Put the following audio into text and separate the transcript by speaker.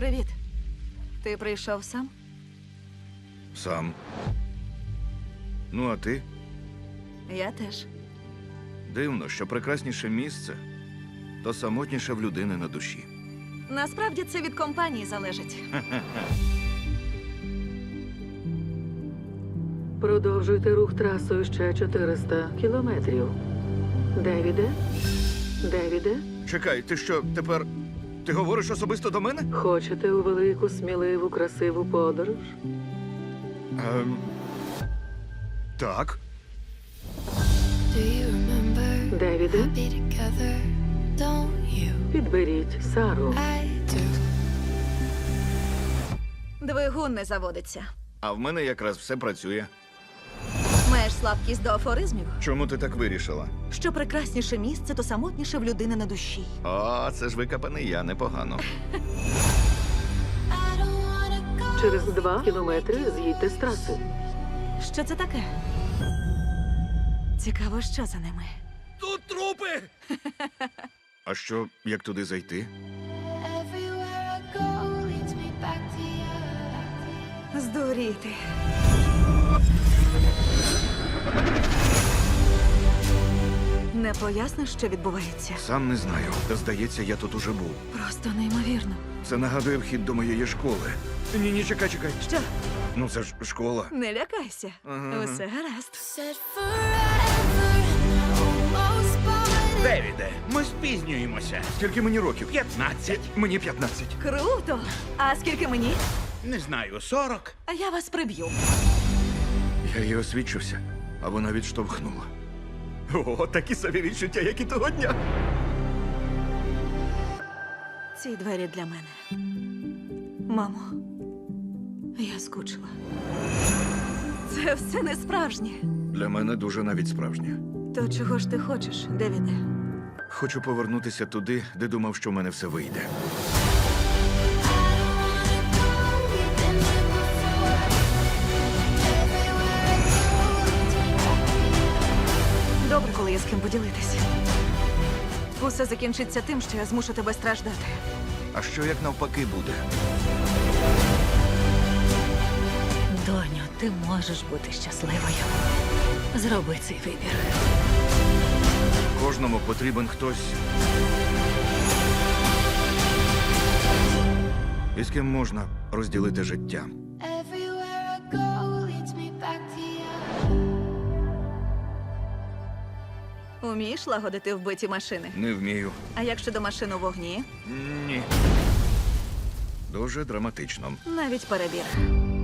Speaker 1: Привіт. Ти прийшов сам?
Speaker 2: Сам. Ну, а ти?
Speaker 1: Я теж.
Speaker 2: Дивно, що прекрасніше місце, то самотніше в людини на душі.
Speaker 1: Насправді це від компанії залежить.
Speaker 3: Продовжуйте рух трасою ще 400 кілометрів. Девіде? Девіде?
Speaker 2: Чекай, ти що, тепер... Ти говориш особисто до мене?
Speaker 3: Хочете у велику, сміливу, красиву подорож?
Speaker 2: Так.
Speaker 4: Do you remember
Speaker 3: Девіде,
Speaker 4: be together? Don't you?
Speaker 3: підберіть Сару.
Speaker 4: I do.
Speaker 1: Двигун не заводиться.
Speaker 2: А в мене якраз все працює.
Speaker 1: Маєш слабкість до афоризмів?
Speaker 2: Чому ти так вирішила?
Speaker 1: Що прекрасніше місце, то самотніше в людини на душі.
Speaker 2: О, це ж викопаний я, непогано.
Speaker 4: I don't wanna go.
Speaker 3: Через 2 кілометри з'їдьте з траси.
Speaker 1: Що це таке? Цікаво, що за ними.
Speaker 2: Тут трупи! А що, як туди зайти?
Speaker 4: Everywhere I go leads me back to you.
Speaker 1: Здуріти. Не поясниш, що відбувається?
Speaker 2: Сам не знаю. Та здається, я тут уже був.
Speaker 1: Просто неймовірно.
Speaker 2: Це нагадує вхід до моєї школи. Ні, чекай.
Speaker 1: Що?
Speaker 2: Ну це ж школа.
Speaker 1: Не лякайся.
Speaker 2: Ага.
Speaker 1: Усе гаразд.
Speaker 4: Said forever and I almost bought it.
Speaker 5: Девіде, ми спізнюємося.
Speaker 2: Скільки мені років?
Speaker 5: 15.
Speaker 2: Мені 15.
Speaker 1: Круто! А скільки мені?
Speaker 5: Не знаю, 40.
Speaker 1: А я вас приб'ю.
Speaker 2: Я їй освідчився, а вона відштовхнула. О, такі собі відчуття, як і того дня.
Speaker 1: Ці двері для мене. Мамо, я скучила. Це все не справжнє.
Speaker 2: Для мене дуже навіть справжнє.
Speaker 1: То чого ж ти хочеш, Девіде?
Speaker 2: Хочу повернутися туди, де думав, що в мене все вийде.
Speaker 4: We've been there before. Everywhere I go leads me back to you.
Speaker 1: Добре, коли є з ким поділитися. Усе закінчиться тим, що я змушу тебе страждати.
Speaker 2: А що як навпаки буде?
Speaker 1: Доню, ти можеш бути щасливою. Зроби цей вибір.
Speaker 2: Кожному потрібен хтось, із ким можна розділити життя.
Speaker 4: Everywhere I go leads me back to you.
Speaker 1: Умієш лагодити вбиті машини?
Speaker 2: Не вмію.
Speaker 1: А як щодо машин у вогні?
Speaker 2: Ні. Дуже драматично.
Speaker 1: Навіть перебір.